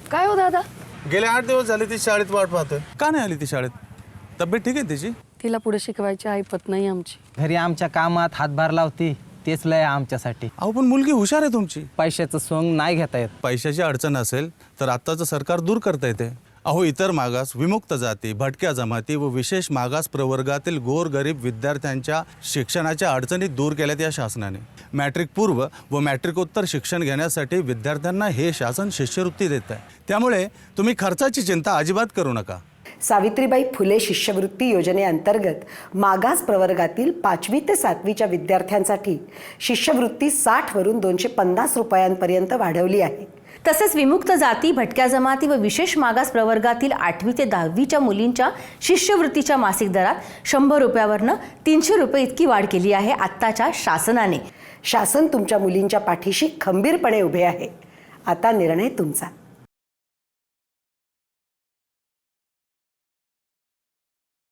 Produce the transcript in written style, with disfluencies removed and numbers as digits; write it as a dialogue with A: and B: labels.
A: काय हो दादा?
B: गेले 8 दिवस झाले ती शाळेत वाट पाहतोय. का नाही आली ती शाळेत? तब्येत ठीक आहे तिची?
A: तिला पुढे शिकवायची ऐपत नाही आमची.
C: घरी आमच्या कामात हातभार लावती, तेच लय आमच्यासाठी.
B: अहो पण मुलगी हुशार आहे तुमची.
C: पैशाचं सोंग नाही घेता येत.
B: पैशाची अडचण असेल तर आत्ताचं सरकार दूर करता येते. अहो इतर मागास, विमुक्त जाती, भटक्या जमाती व विशेष मागास प्रवर्गातील गोरगरीब विद्यार्थ्यांच्या शिक्षणाच्या अडचणी दूर केल्यात या शासनाने. मॅट्रिक पूर्व व मॅट्रिकोत्तर शिक्षण घेण्यासाठी विद्यार्थ्यांना हे शासन शिष्यवृत्ती देत आहे. त्यामुळे तुम्ही खर्चाची चिंता अजिबात करू नका.
D: सावित्रीबाई फुले शिष्यवृत्ती योजनेअंतर्गत मागास प्रवर्गातील 5वी ते 7वीच्या विद्यार्थ्यांसाठी शिष्यवृत्ती 60 वरून 250 रुपयांपर्यंत वाढवली आहे.
E: तसेच विमुक्त जाती, भटक्या जमाती व विशेष मागास प्रवर्गातील 8वी ते 10वीच्या मुलींच्या शिष्यवृत्तीच्या मासिक दरात 100 रुपयावरनं 300 रुपये इतकी वाढ केली आहे आत्ताच्या शासनाने.
D: शासन तुमच्या मुलींच्या पाठीशी खंबीरपणे उभे आहे. आता निर्णय तुमचा.